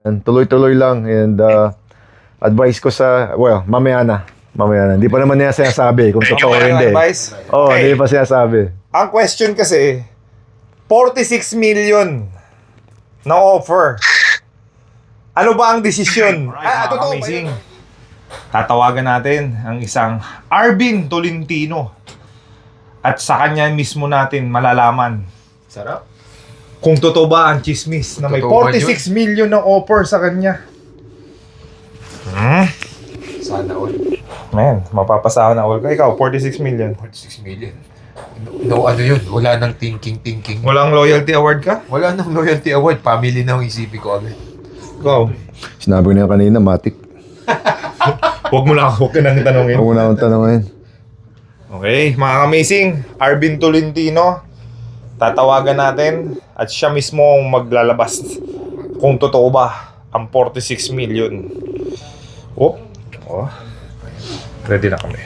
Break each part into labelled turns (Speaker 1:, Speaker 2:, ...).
Speaker 1: Tuloy-tuloy lang and advice ko sa, well, mamaya na. Hindi pa naman niya sinasabi kung totoo o hindi.
Speaker 2: Advice?
Speaker 1: Oo,
Speaker 2: Okay.
Speaker 1: hindi pa sinasabi.
Speaker 2: Ang question kasi, 46 million na offer. Ano ba ang desisyon? Totoo ba yun? Tatawagan natin ang isang Arvin Tolentino. At sa kanya mismo natin malalaman
Speaker 3: Sarap.
Speaker 2: kung totoo ba ang chismis na may
Speaker 3: Totoo ba
Speaker 2: 46 million na offer sa kanya.
Speaker 3: Sana all.
Speaker 2: Man, mapapasahan na all ka. Ikaw, 46 million.
Speaker 3: 46 million. No, ano yun? Wala nang thinking.
Speaker 2: Walang loyalty award ka?
Speaker 3: Wala nang loyalty award. Family na ang isipin ko agad.
Speaker 2: Ikaw.
Speaker 1: Sinabi ko na yan kanina, matik.
Speaker 2: Huwag ka nang tanongin.
Speaker 1: Huwag mo na akong tanongin.
Speaker 2: Okay, mga amazing, Arvin Tolentino, tatawagan natin at siya mismo ang maglalabas kung totoo ba ang 46 million. Oh, ready na kami.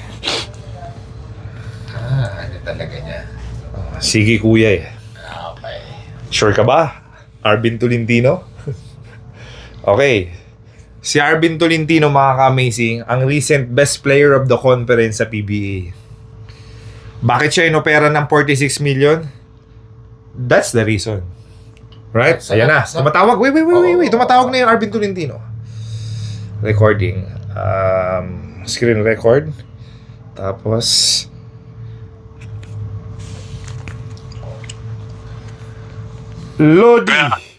Speaker 3: Ano talaga niya?
Speaker 2: Sige kuya eh.
Speaker 3: Okay.
Speaker 2: Sure ka ba, Arvin Tolentino? Okay. Si Arvin Tolentino, mga ka-amazing, ang recent best player of the conference sa PBA. Bakit siya inopera ng 46 million? That's the reason. Right? Ayan na. Tumatawag. Wait. Tumatawag na yung Arvin Tolentino. Recording. Screen record. Tapos... Lodi!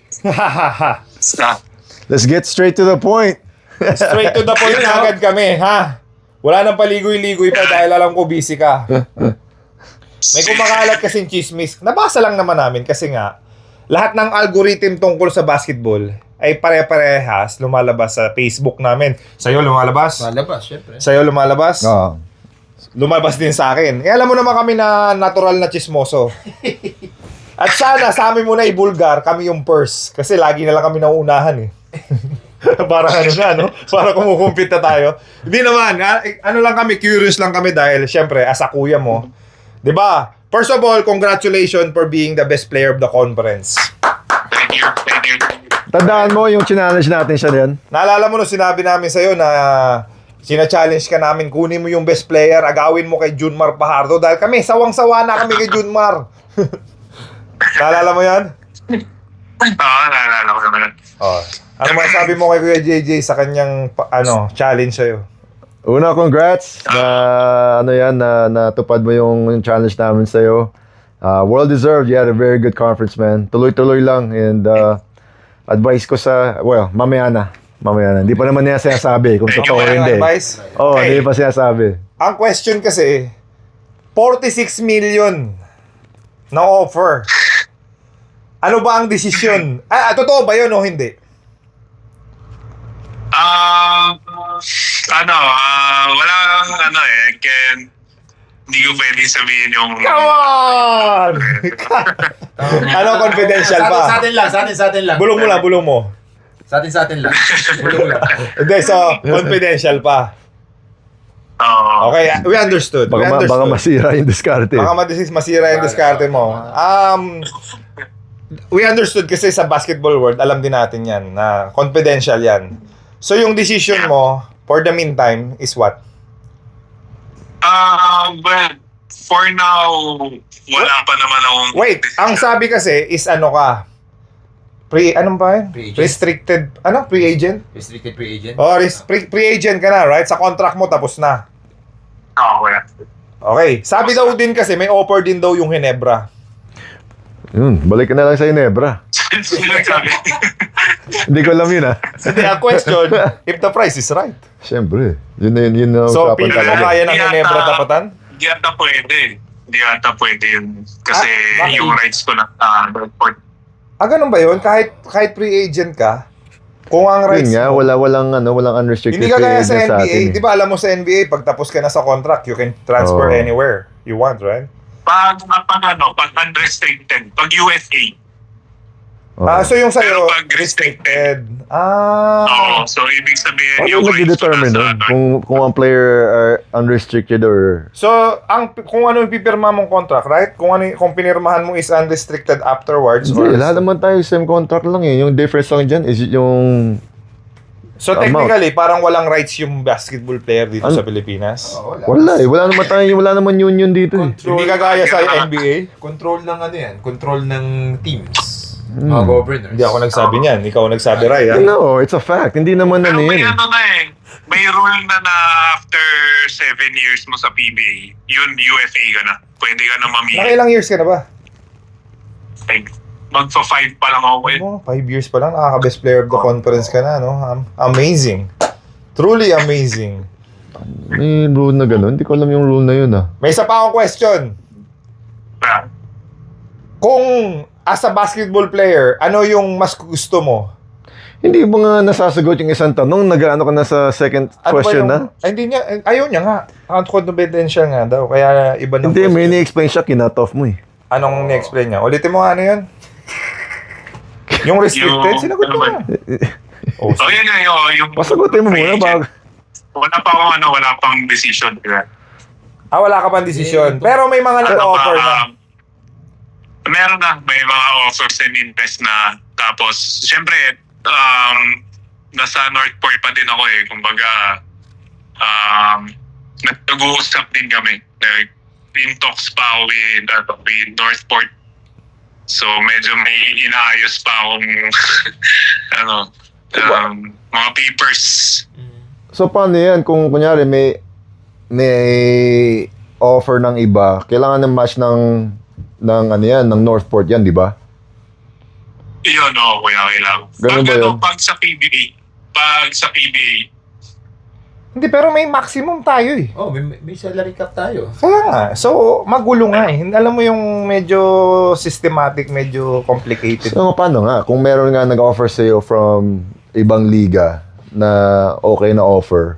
Speaker 1: Let's get straight to the point.
Speaker 2: Straight to the point na agad kami, ha? Wala nang paligoy-ligoy pa dahil alam ko busy ka. May kumakalat kasing chismis. Nabasa lang naman namin kasi nga, lahat ng algorithm tungkol sa basketball ay pare-parehas lumalabas sa Facebook namin. Sa'yo lumalabas?
Speaker 3: Malabas, syempre.
Speaker 2: Sa'yo lumalabas?
Speaker 1: Oo.
Speaker 2: Lumalabas din sa akin. Alam mo naman kami na natural na chismoso. At sana sa amin muna ibulgar, kami yung first. Kasi lagi na lang kami nauunahan eh. Parang ano na, no? Para kumukumpit na tayo. Hindi naman, ano lang kami, curious lang kami dahil syempre, as a kuya mo, di ba? First of all, congratulations for being the best player of the conference.
Speaker 4: Thank you.
Speaker 1: Tandaan mo yung challenge natin siya din.
Speaker 2: Naalala mo no, sinabi namin sa'yo na sina-challenge ka namin, kunin mo yung best player, agawin mo kay Junmar Fajardo dahil kami, sawang-sawa na kami kay Junmar. Naalala mo yan?
Speaker 4: Oo, naalala ko naman.
Speaker 2: Oh. Ano masasabi mo kay Kuya JJ sa kanyang challenge sa'yo?
Speaker 1: Una, congrats na natupad mo yung challenge namin sa'yo. Well deserved. You had a very good conference, man. Tuloy-tuloy lang and advice ko sa, well, mamaya na. Hindi pa naman niya sinasabi kung totoo o hindi.
Speaker 2: Advice?
Speaker 1: Oo,
Speaker 2: Okay.
Speaker 1: hindi pa sinasabi.
Speaker 2: Ang question kasi, 46 million na offer. Ano ba ang desisyon? Totoo ba yun o hindi?
Speaker 4: Wala hindi ko pwede sabihin yung...
Speaker 2: Come on! Confidential pa?
Speaker 3: Sa atin lang.
Speaker 2: Bulong mo.
Speaker 3: Sa atin lang. Bulong lang.
Speaker 2: Hindi, so, confidential pa.
Speaker 4: Oo.
Speaker 2: Okay, we understood.
Speaker 1: Baka masira yung diskarte.
Speaker 2: Baka masira yung diskarte mo. We understood kasi sa basketball world, alam din natin yan, na confidential yan. So, yung decision mo, for the meantime, is what?
Speaker 4: But for now, wala pa naman akong...
Speaker 2: Wait, ang sabi kasi is anong ba yun?
Speaker 3: Free agent.
Speaker 2: Restricted, free agent?
Speaker 3: Restricted free agent.
Speaker 2: Oh, free agent ka na, right? Sa contract mo, tapos na.
Speaker 4: Oo, wala.
Speaker 2: Okay, sabi daw din kasi, may offer din daw yung Ginebra.
Speaker 1: Balik ka na lang sa Ginebra. Hindi ko alam yun,
Speaker 2: Hindi, ang question, if the price is right.
Speaker 1: Siyempre. Yun na
Speaker 2: So,
Speaker 1: usapan
Speaker 2: pili mo
Speaker 1: talaga.
Speaker 2: kaya ng Ginebra tapatan?
Speaker 4: Hindi ata pwede yun. Kasi
Speaker 2: bakit?
Speaker 4: yung rights ko na report.
Speaker 2: Ganun ba yun? Kahit free agent ka, kung ang
Speaker 1: Yun
Speaker 2: rights
Speaker 1: nga,
Speaker 2: mo,
Speaker 1: walang unrestricted
Speaker 2: hindi ka
Speaker 1: free
Speaker 2: gaya
Speaker 1: agent
Speaker 2: sa
Speaker 1: sa atin.
Speaker 2: NBA. Di ba alam mo sa NBA, pag tapos ka na sa contract, you can transfer
Speaker 1: Oo.
Speaker 2: anywhere you want, right?
Speaker 4: Pag unrestricted, pag USA,
Speaker 1: Oh.
Speaker 2: So yung sa'yo,
Speaker 4: Pero pag restricted,
Speaker 2: Ah.
Speaker 4: so ibig sabihin
Speaker 1: Paano
Speaker 4: yung rights ko
Speaker 1: nag-determine
Speaker 4: nasa
Speaker 1: nun? Kung ang player are unrestricted or...
Speaker 2: So, kung ano yung pipirma mong contract, right? Kung pinirmahan mo is unrestricted afterwards
Speaker 1: Hindi, lahat naman tayo same contract lang eh. Yung difference lang dyan is yung...
Speaker 2: So technically, parang walang rights yung basketball player dito sa Pilipinas.
Speaker 1: Wala eh. Wala naman union dito eh.
Speaker 2: Hindi kagaya sa NBA.
Speaker 3: Control ng ano yan, control ng teams. Mga governors.
Speaker 2: Hindi ako nagsabi niyan. Ikaw ang nagsabi, Ray. Ha?
Speaker 1: No, it's a fact. Hindi naman
Speaker 4: Pero
Speaker 1: ano
Speaker 4: may
Speaker 1: yan.
Speaker 4: ano na may rule na after 7 years mo sa PBA, yun UFA ka na. Pwede ka na mamili.
Speaker 2: Nakailang years ka na ba?
Speaker 4: Like, magpa-5 pa lang ako.
Speaker 2: 5 years pa lang. Nakaka-best player of the conference ka na, no? Amazing. Truly amazing.
Speaker 1: May rule na gano'n. Hindi ko alam yung rule na yun ah.
Speaker 2: May isa pa akong question.
Speaker 4: Ah,
Speaker 2: Kung as a basketball player, ano yung mas gusto mo?
Speaker 1: Hindi mo nga nasasagot yung isang tanong. Nag-ano ka na sa second
Speaker 2: Ano ba
Speaker 1: question
Speaker 2: yung-
Speaker 1: na?
Speaker 2: Ay, hindi niya. Ayaw niya nga. Confidential nga daw. Kaya iba ng
Speaker 1: Hindi, may
Speaker 2: question.
Speaker 1: ni-explain siya. Kinat off mo eh.
Speaker 2: Anong ni-explain niya? Ulitin mo nga ano yun? Yung restricted?
Speaker 4: Yung-
Speaker 2: Sinagot mo
Speaker 4: ano
Speaker 2: na. Oh,
Speaker 4: so yun yung...
Speaker 1: Pasagutin mo muna bago.
Speaker 4: Wala pa akong wala pang decision. Diba?
Speaker 2: wala ka pang desisyon. Pero may mga nag-offer na.
Speaker 4: Meron na. May mga offers and invest na. Tapos, syempre, nasa Northport pa din ako eh. Kumbaga, nag-uusap din kami. Like, in talks pa ako with Northport. So, medyo may inaayos pa akong mga papers.
Speaker 1: So, paano yan? Kung kunyari may offer ng iba, kailangan ng match ng ano yan, ng Northport yan, di ba?
Speaker 4: Yun, kuya, kailangan.
Speaker 1: Ganun ba yun?
Speaker 4: Pag sa PBA,
Speaker 2: Hindi, pero may maximum tayo eh.
Speaker 3: Oh, may salary cap tayo.
Speaker 2: Kaya nga. So, magulo nga eh. Alam mo yung medyo systematic, medyo complicated.
Speaker 1: So, paano nga? Kung meron nga nag-offer sa'yo from ibang liga na okay na offer,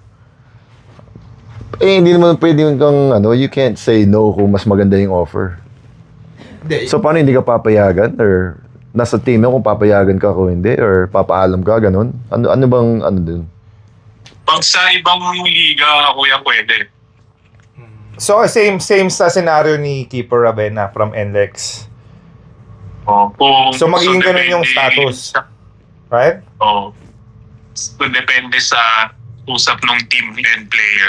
Speaker 1: hindi naman pwedeng kang, you can't say no kung mas maganda yung offer.
Speaker 3: Hindi,
Speaker 1: So, paano hindi ka papayagan? Or nasa team mo kung papayagan ka kung hindi? Or papaalam ka, ganun? Ano bang, dun?
Speaker 4: pag sa ibang liga, kuya, pwede.
Speaker 2: So, same sa scenario ni Keeper Ravena from NLEX. So, magiging ganun yung status. Right?
Speaker 4: So, depende sa usap ng team and player.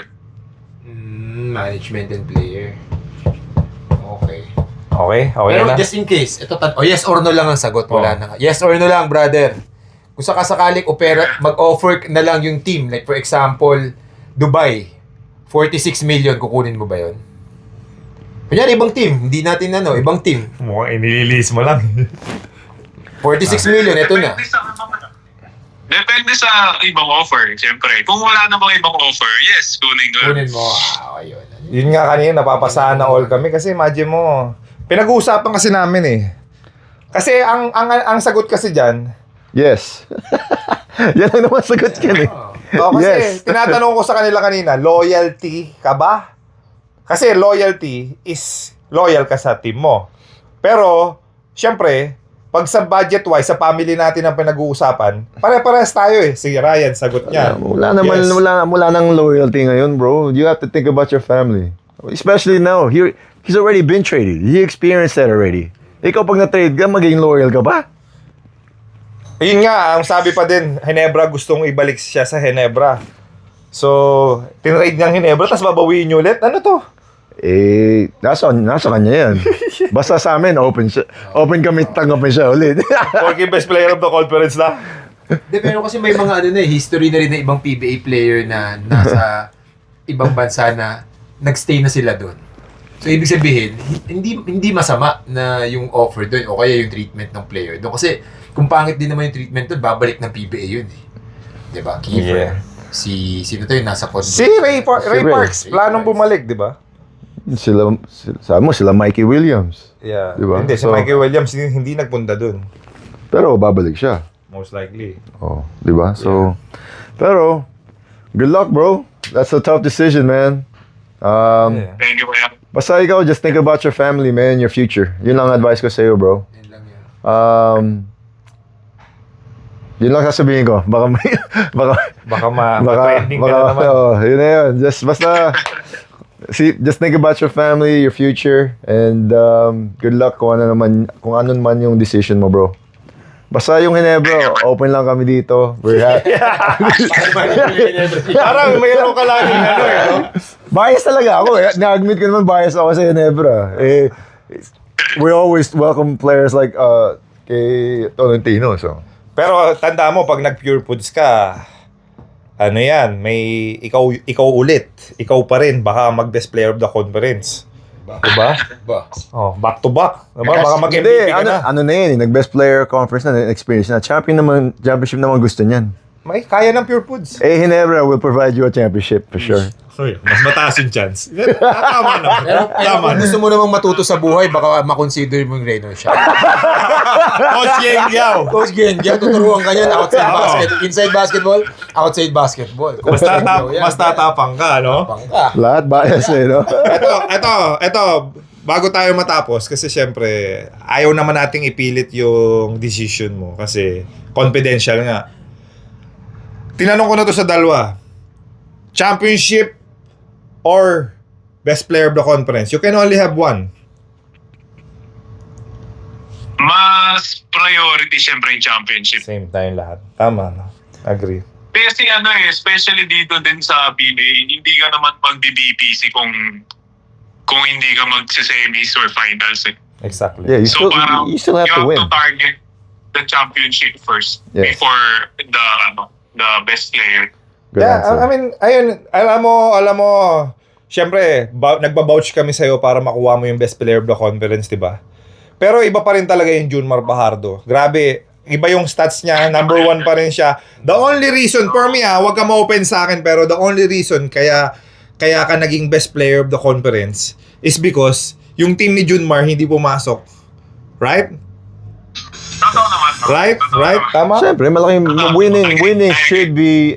Speaker 3: management and player. Okay.
Speaker 2: Okay
Speaker 3: Pero
Speaker 2: na.
Speaker 3: just in case, yes or no lang ang sagot. Wala na. Yes or no lang, brother. Kung sakasakaling mag-offer na lang yung team, like for example, Dubai, 46 million, kukunin mo ba yun? Kunyari, ibang team. Hindi natin ibang team.
Speaker 2: Mukhang inililis mo lang.
Speaker 3: 46 million, ito na.
Speaker 4: Depende sa ibang offer, siyempre. Kung wala namang ibang offer, yes, kunin ko.
Speaker 3: Kunin mo. Ayun.
Speaker 2: Yun nga kanina, napapasahan na all kami kasi imagine mo, pinag-uusapan kasi namin eh. Kasi ang sagot kasi dyan,
Speaker 1: Yes. Yan lang naman sagot yan eh.
Speaker 2: kasi
Speaker 1: Yes.
Speaker 2: tinatanong ko sa kanila kanina, loyalty ka ba? Kasi loyalty is loyal ka sa team mo. Pero, syempre, pag sa budget-wise, sa family natin ang pinag-uusapan, pare-pares tayo eh. Si Ryan, sagot niya.
Speaker 1: Wala naman,
Speaker 2: Yes.
Speaker 1: wala nang loyalty ngayon, bro. You have to think about your family. Especially now, he's already been traded. He experienced that already. Ikaw pag na-trade ka, maging loyal ka ba?
Speaker 2: Yun nga, ang sabi pa din, Ginebra gustong ibalik siya sa Ginebra. So, tinrade niyang Ginebra, tapos babawiin niyo ulit. Ano to?
Speaker 1: Nasa kanya yan. Basta sa amin, open kami tanggapin siya ulit.
Speaker 2: Porky best player of the conference na.
Speaker 3: Pero kasi may mga history na rin ng ibang PBA player na nasa ibang bansa na nagstay na sila doon. So, ibig sabihin, hindi masama na yung offer doon o kaya yung treatment ng player doon. Kasi, kung pangit din naman yung treatment doon, babalik ng PBA yun eh. Diba? Kiefer.
Speaker 2: Yeah.
Speaker 3: Sino to yung nasa condo?
Speaker 2: Si Ray Parks, planong bumalik, di ba?
Speaker 1: Sabi mo, sila Mikey Williams.
Speaker 2: Yeah.
Speaker 1: Diba?
Speaker 2: Hindi, si
Speaker 1: So-
Speaker 2: Mikey Williams hindi nagpunta dun.
Speaker 1: Pero babalik siya.
Speaker 2: Most likely.
Speaker 1: Oh, di ba? So, pero, good luck, bro. That's a tough decision, man.
Speaker 2: Yeah.
Speaker 4: Thank you, kuya.
Speaker 1: Basta ikaw, just think about your family, man, your future. Yun lang advice ko sa'yo, bro.
Speaker 3: Yun lang yun.
Speaker 1: Yun lang sasabihin ko. Baka may, baka,
Speaker 2: Baka ma-trending ka na naman.
Speaker 1: Yun na yun. Just think about your family, your future, and good luck kung ano naman yung decision mo, bro. Basta yung Ginebra, open lang kami dito. We're happy.
Speaker 2: Parang mayroon ka laging no?
Speaker 1: Bias talaga ako eh. Na-admit ko naman bias ako sa Ginebra. We always welcome players like kay Tolentino. So.
Speaker 2: Pero tanda mo, pag nag-Pure Foods ka, ano yan, may ikaw ulit. Ikaw pa rin, baka mag-best player of the conference. Diba?
Speaker 3: Ba?
Speaker 2: Oh, back to back. Diba? Baka mag-MVP
Speaker 1: Hindi,
Speaker 2: ka na.
Speaker 1: ano na yun, nag-best player conference na, experience na. Championship naman gusto niyan.
Speaker 2: May kaya ng Pure Foods.
Speaker 1: Ginebra will provide you a championship for sure.
Speaker 2: Uy, mas mataas yung chance. Tama naman.
Speaker 3: Pero kung gusto mo namang matuto sa buhay, baka makonsider mo yung Reynolds shot.
Speaker 2: Coach Yeng Yao.
Speaker 3: Coach Gengia, tuturuan ka niyan inside basketball, outside basketball.
Speaker 2: Mas tatapang ka, no?
Speaker 3: Tapang ka.
Speaker 1: Lahat bias eh, no?
Speaker 2: Ito, bago tayo matapos, kasi syempre, ayaw naman nating ipilit yung decision mo kasi confidential nga. Tinanong ko na to sa dalawa. Championship or best player of the conference? You can only have one.
Speaker 4: Mas priority syempre yung championship.
Speaker 2: Same time lahat. Tama, no? Agree.
Speaker 4: Kasi especially dito din sa PBA, hindi ka naman mag-BBPC kung hindi ka mag-semis or finals eh.
Speaker 2: Exactly.
Speaker 1: Yeah,
Speaker 4: So parang
Speaker 1: you still have to win.
Speaker 4: target the championship first
Speaker 1: Yes.
Speaker 4: before the best player.
Speaker 1: Good
Speaker 2: Yeah,
Speaker 1: answer.
Speaker 2: I mean, ayun, alam mo, syempre, nagba-vouch kami sa'yo para makuha mo yung best player of the conference, di ba? Pero iba pa rin talaga yung Junmar Fajardo. Grabe, iba yung stats niya, number 1 pa rin siya. The only reason, for me wag ka ma-open sa akin, pero the only reason kaya ka naging best player of the conference is because yung team ni Junmar hindi pumasok. Right?
Speaker 4: Totoo naman.
Speaker 2: Right?
Speaker 4: Totoo
Speaker 2: Right?
Speaker 4: naman.
Speaker 2: Tama?
Speaker 1: Siyempre, malaking winning should be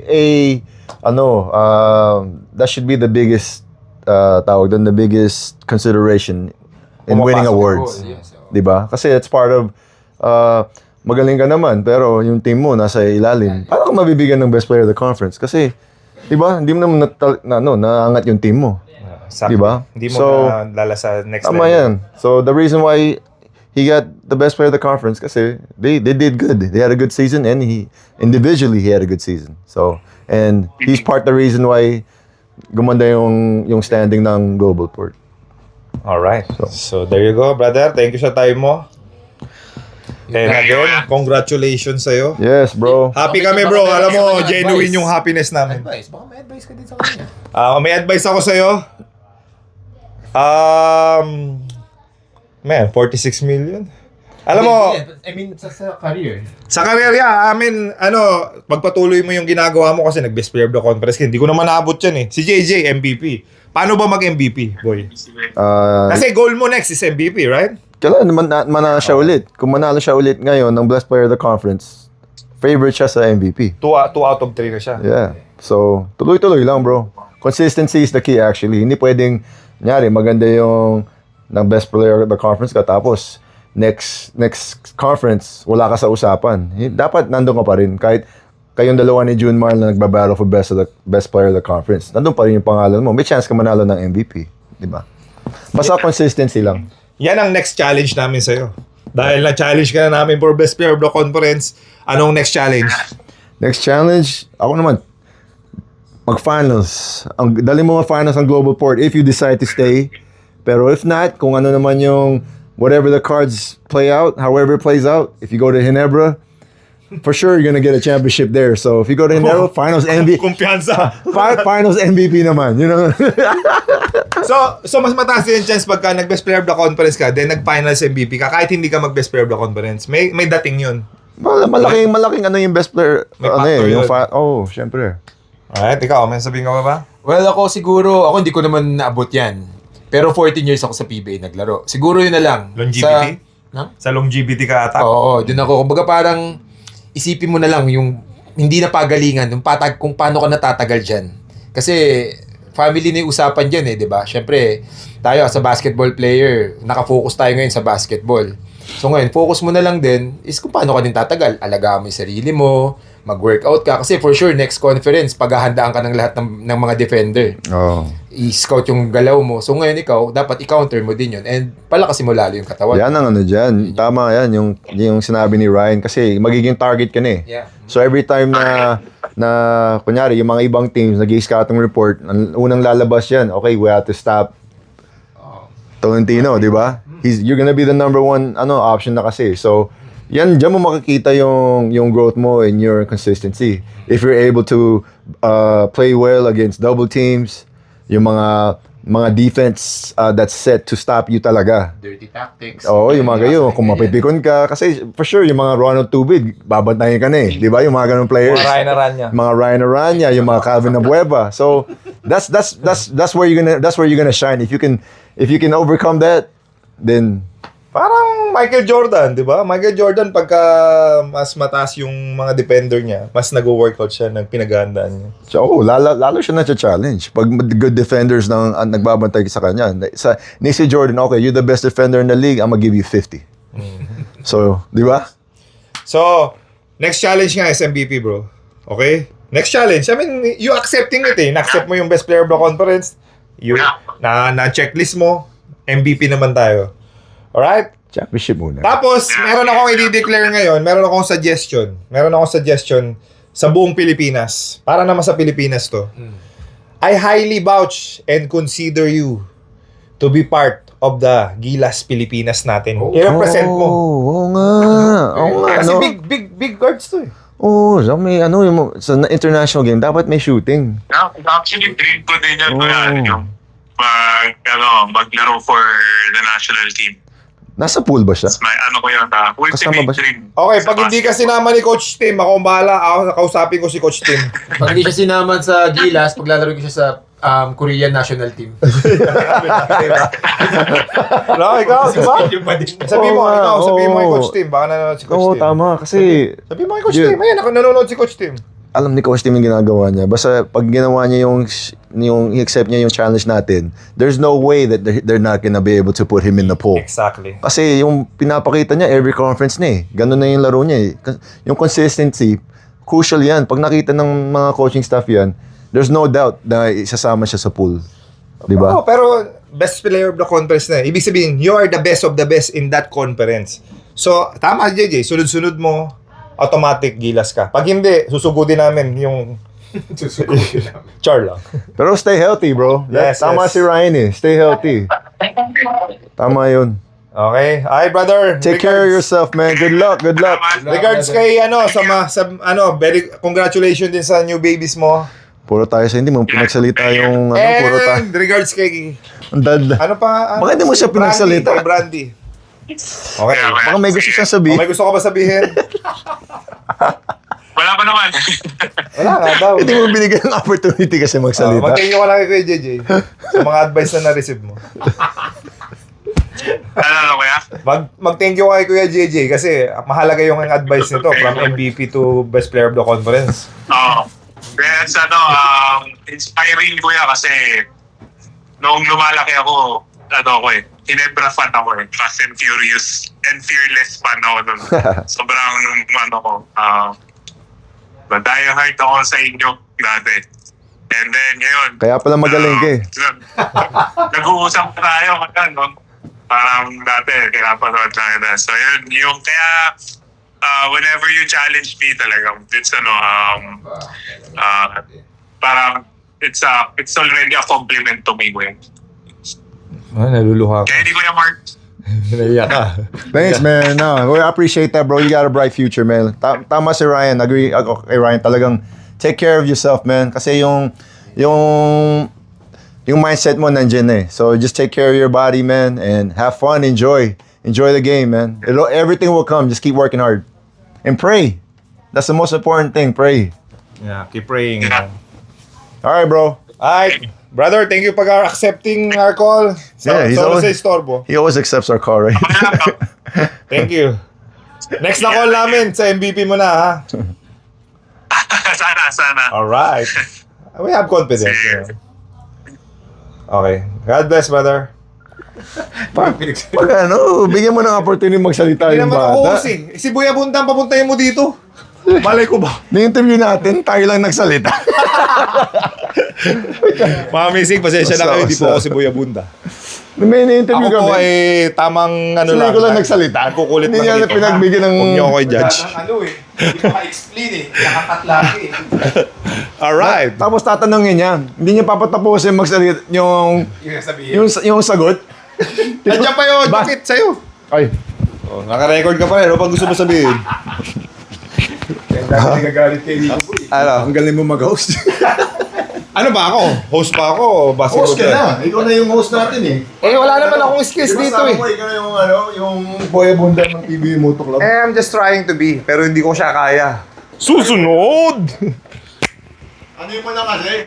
Speaker 1: that should be the biggest the biggest consideration in winning
Speaker 2: Pumapasok.
Speaker 1: awards.
Speaker 3: Yes.
Speaker 1: 'Di ba? Kasi it's part of magaling ka naman pero yung team mo nasa ilalim. Paano ka mabibigyan ng best player of the conference? Kasi 'di ba? Hindi mo naman naangat yung team mo.
Speaker 2: Exactly.
Speaker 1: Diba?
Speaker 2: Hindi mo
Speaker 1: So,
Speaker 2: na lala sa next
Speaker 1: Tama
Speaker 2: level.
Speaker 1: yan. So the reason why he got the best player of the conference kasi they did good. They had a good season and individually he had a good season. So and he's part the reason why gumanda yung standing ng Global Port.
Speaker 2: Alright. So there you go, brother. Thank you sa time mo. And again, congratulations sa'yo.
Speaker 1: Yes, bro.
Speaker 2: Happy
Speaker 3: Okay,
Speaker 2: kami,
Speaker 3: baka
Speaker 2: bro.
Speaker 3: meron
Speaker 2: Alam
Speaker 3: ka
Speaker 2: mo,
Speaker 3: naman
Speaker 2: genuine
Speaker 3: advice.
Speaker 2: yung happiness namin.
Speaker 3: Baka may advice ka din sa kanya.
Speaker 2: May advice ako sa'yo. Man, 46 million. Alam mo,
Speaker 3: I mean, sa career.
Speaker 2: sa karera, pagpatuloy mo yung ginagawa mo kasi nag-best player of the conference. Hindi ko naman naabot yan eh. Si JJ, MVP. Paano ba mag-MVP, boy? Kasi goal mo next is MVP, right?
Speaker 1: Kailangan manalo siya ulit. Kung manalo siya ulit ngayon ng best player of the conference, favorite siya sa MVP.
Speaker 2: 2 out of 3 na siya.
Speaker 1: Yeah. So, tuloy-tuloy lang, bro. Consistency is the key actually. Hindi pwedeng, maganda yung ng best player of the conference ka tapos next conference, wala ka sa usapan. Dapat nandun ka pa rin. Kahit kayong dalawa ni Junmar na nagbabattle for best player of the conference, nandun pa rin yung pangalan mo. May chance ka manalo ng MVP. Di ba? Basta consistency lang.
Speaker 2: Yan ang next challenge namin sa'yo. Dahil na-challenge ka na namin for best player of the conference, anong next challenge?
Speaker 1: Next challenge, ako naman, mag-finals. Dali mo mag-finals ang Global Port if you decide to stay. Pero if not, kung ano naman yung whatever the cards play out, however it plays out, if you go to Ginebra, for sure you're gonna get a championship there. So if you go to Ginebra, finals MVP.
Speaker 2: Kumpiyansa.
Speaker 1: Finals MVP naman, you know.
Speaker 2: So mas mataas din yung chance pagka nag-best player of the conference ka, then nag-finals MVP ka, kahit hindi ka mag-best player of the conference. May dating yun.
Speaker 1: malaking yung best player.
Speaker 2: May factor yun.
Speaker 1: Syempre.
Speaker 2: Alright, ikaw, may sabihin ka ba?
Speaker 3: Well, ako hindi ko naman naabot yan. Pero 14 years ako sa PBA naglaro. Siguro yun na lang.
Speaker 2: Longevity? Sa longevity ka ata?
Speaker 3: Oo, dun ako. Kumbaga parang isipin mo na lang yung hindi na pagalingan, yung kung paano ka natatagal dyan. Kasi family na yung usapan dyan di ba? Siyempre, tayo as a basketball player, nakafocus tayo ngayon sa basketball. So ngayon, focus mo na lang din is kung paano ka din tatagal. Alagaan mo yung sarili mo, mag-workout ka. Kasi for sure, next conference, paghahandaan ka ng lahat ng mga defender.
Speaker 1: Oh.
Speaker 3: I-scout yung galaw mo. So ngayon ikaw, dapat i-counter mo din yun. And palakasin mo lalo yung katawan.
Speaker 1: Yan ang ano dyan. Tama yan, yung sinabi ni Ryan. Kasi magiging target ka na eh.
Speaker 3: Yeah.
Speaker 1: So every time na kunyari, yung mga ibang teams, nag-scouting report, ang unang lalabas yan, okay, we have to stop Tolentino, di ba? You're gonna be the number one option na kasi. So, yan, dyan mo makikita yung growth mo and your consistency. If you're able to play well against double teams, yung mga defense that's set to stop you talaga.
Speaker 3: Dirty tactics.
Speaker 1: Oo, yung mga gayo, kung mapipikon ka, kasi for sure, yung mga Ronald Tubig, babantayin ka na eh. Di ba? Yung mga ganong players.
Speaker 2: Mga Ryan Aranya.
Speaker 1: Mga Ryan Aranya, yung mga Calvin Abueva. So, that's where you're gonna shine. If you can overcome that, then
Speaker 2: Parang Michael Jordan, di ba? Michael Jordan, pagka mas mataas yung mga defender niya, mas nag-workout siya ng pinaghandaan niya.
Speaker 1: so, lalo siya na-challenge. Pag good defenders nagbabantay sa kanya. Ni si Jordan, okay, you're the best defender in the league, I'm gonna give you 50. So, di ba?
Speaker 2: So, next challenge nga is MVP, bro. Okay? Next challenge. I mean, you accepting it eh. Na-accept mo yung best player of the conference. Na-checklist mo. MVP naman tayo. Alright?
Speaker 1: Championship muna.
Speaker 2: Tapos, meron akong i-declare ngayon. Meron akong suggestion sa buong Pilipinas. Para naman sa Pilipinas to. I highly vouch and consider you to be part of the Gilas Pilipinas natin. I-represent mo.
Speaker 1: Oo nga. Oo nga,
Speaker 2: Kasi
Speaker 1: no?
Speaker 2: big guards to eh.
Speaker 1: Oo, so may sa international game, dapat may shooting.
Speaker 4: Yeah, actually, dream ko din yan.
Speaker 1: Oh.
Speaker 4: Yung maglaro for the national team.
Speaker 1: Nasa pool ba siya?
Speaker 4: May ko yun,
Speaker 1: Kasama ba
Speaker 4: ultimate
Speaker 1: siya?
Speaker 4: dream.
Speaker 2: Okay,
Speaker 4: Sa
Speaker 2: pag hindi ka
Speaker 4: basketball.
Speaker 2: sinama ni Coach Tim, ako ang bahala. Ako kausapin ko si Coach Tim.
Speaker 3: Pag hindi siya sinaman sa Gilas, paglalaro ko siya sa Korean national team.
Speaker 2: No, ikaw, di ba? Sabihin mo,
Speaker 1: Oo nga,
Speaker 2: sabihin mo kay
Speaker 1: oo.
Speaker 2: Coach Tim. Baka nanonood si Coach
Speaker 1: Oo,
Speaker 2: Tim.
Speaker 1: tama. Kasi,
Speaker 2: Sabihin mo kay Coach
Speaker 1: Dude.
Speaker 2: Tim. Ayan, nanonood si Coach Tim.
Speaker 1: alam ni Coach Tim yung ginagawa niya. Basta, pag ginawa niya yung i-accept niya yung challenge natin, there's no way that they're not gonna be able to put him in the pool.
Speaker 2: Exactly.
Speaker 1: Kasi yung pinapakita niya every conference na eh. Ganun na yung laro niya eh. Yung consistency, crucial yan. Pag nakita ng mga coaching staff yan, there's no doubt na isasama siya sa pool. Di ba?
Speaker 2: Oo, pero best player of the conference na. Ibig sabihin, you are the best of the best in that conference. So, tama JJ, sunod-sunod mo, automatic gilas ka. Pag hindi, susugudin namin yung char lang.
Speaker 1: Pero stay healthy, bro.
Speaker 2: Yes,
Speaker 1: Tama
Speaker 2: yes.
Speaker 1: si Ryan eh. Stay healthy. Tama yun.
Speaker 2: Okay? Ay, brother.
Speaker 1: Take care of yourself, man. Good luck. Good luck.
Speaker 2: Regards kay congratulations din sa new babies mo.
Speaker 1: Puro tayo sa hindi mo pinagsalita yung puro tayo.
Speaker 2: And regards kay
Speaker 1: Ang dada.
Speaker 2: ano pa?
Speaker 1: Bakit di mo siya pinagsalita?
Speaker 2: Kay Brandy. Okay.
Speaker 1: Baka may gusto siyang
Speaker 2: O,
Speaker 1: sabihin.
Speaker 2: may gusto ka ba sabihin?
Speaker 4: Wala pa naman.
Speaker 2: Wala nga daw.
Speaker 1: Hindi mo binigyan ng opportunity kasi magsalita.
Speaker 2: Mag-thank you ka lang kay Kuya JJ sa mga advice na na-receive mo.
Speaker 4: Ano kaya?
Speaker 2: Mag-thank you ka kay Kuya JJ kasi mahalaga yung advice nito from MVP to best player of the conference.
Speaker 4: Oo. Kaya inspiring ko yan kasi noong lumalaki ako, Ginebra fan ako eh. Fast and Furious and Fearless fan ako nun. Sobrang die-hard ako sa inyo dati. And then ngayon,
Speaker 1: Kaya pala magaling ka eh.
Speaker 4: nag-uusap pa tayo no? Parang dati, pinapanood lang kita. So yun, yung kaya whenever you challenge me talagang, it's parang it's already a compliment to me, Gwen.
Speaker 2: Ay, naluluha
Speaker 4: Kaya hindi ko na Mark.
Speaker 2: Naiyak ka.
Speaker 1: Thanks, man. No, we appreciate that, bro. You got a bright future, man. Tama si Ryan. Agree ako kay Ryan. Talagang take care of yourself, man. Kasi yung mindset mo nandiyan eh. So just take care of your body, man, and have fun, enjoy the game, man. Everything will come. Just keep working hard and pray. That's the most important thing. Pray.
Speaker 2: Yeah, keep praying.
Speaker 4: Yeah.
Speaker 1: All right, bro.
Speaker 2: Alright, brother, thank you for accepting our call.
Speaker 1: Yeah, he's
Speaker 2: Sorry
Speaker 1: always-
Speaker 2: sa istorbo.
Speaker 1: He always accepts our call, right?
Speaker 2: Thank you. Next na call namin sa MVP mo na, ha?
Speaker 4: Sana.
Speaker 2: Alright. We have confidence.
Speaker 4: Sige.
Speaker 2: Okay. God bless, brother.
Speaker 1: Pag bigyan mo ng opportunity magsalita
Speaker 2: Hindi
Speaker 1: yung
Speaker 2: naman ako
Speaker 1: bata.
Speaker 2: host eh. Si Boy Abundang, papuntahin mo dito. Malay ko ba?
Speaker 1: Na-interview natin, tayo lang nagsalita.
Speaker 2: Mga Amazing, pasensya na kayo. Hindi po ako si Boy Abunda.
Speaker 1: May na-interview
Speaker 2: Ako po
Speaker 1: kami.
Speaker 2: ay tamang ano
Speaker 1: Sila
Speaker 2: lang.
Speaker 1: ko lang nagsalita.
Speaker 2: Nagkukulit
Speaker 1: Hindi
Speaker 2: lang
Speaker 1: niya
Speaker 2: dito.
Speaker 1: pinagbigyan ng...
Speaker 2: Huwag niyo ako i-judge.
Speaker 3: Ano eh, hindi ko ma-explain eh. Nakakatlaki eh.
Speaker 2: Alright.
Speaker 1: Tapos tatanungin niya. Hindi niya papatapusin magsalita yung...
Speaker 3: Yung sabihin.
Speaker 1: Yung sagot.
Speaker 2: Nandiyan pa yun.
Speaker 1: Ba-
Speaker 2: Bakit sa'yo?
Speaker 1: Ay,
Speaker 2: Oh, naka-record ka pa rin. Ano pag gusto mo sabihin?
Speaker 3: Dahil nagagalit kay Rico Boy.
Speaker 2: Ano?
Speaker 1: ang galing mo mag-host.
Speaker 2: Ano ba ako? Host pa ako? Basketball
Speaker 1: Host ka na. Ikaw na yung host natin eh.
Speaker 2: Eh, wala naman akong skills
Speaker 1: Di ba
Speaker 2: dito
Speaker 1: sabi
Speaker 2: eh.
Speaker 1: mo, ikaw na yung yung boy bunda ng PBA Moto Club.
Speaker 2: I'm just trying to be. Pero hindi ko siya kaya. Susunod!
Speaker 1: Ano yung mo na kasi?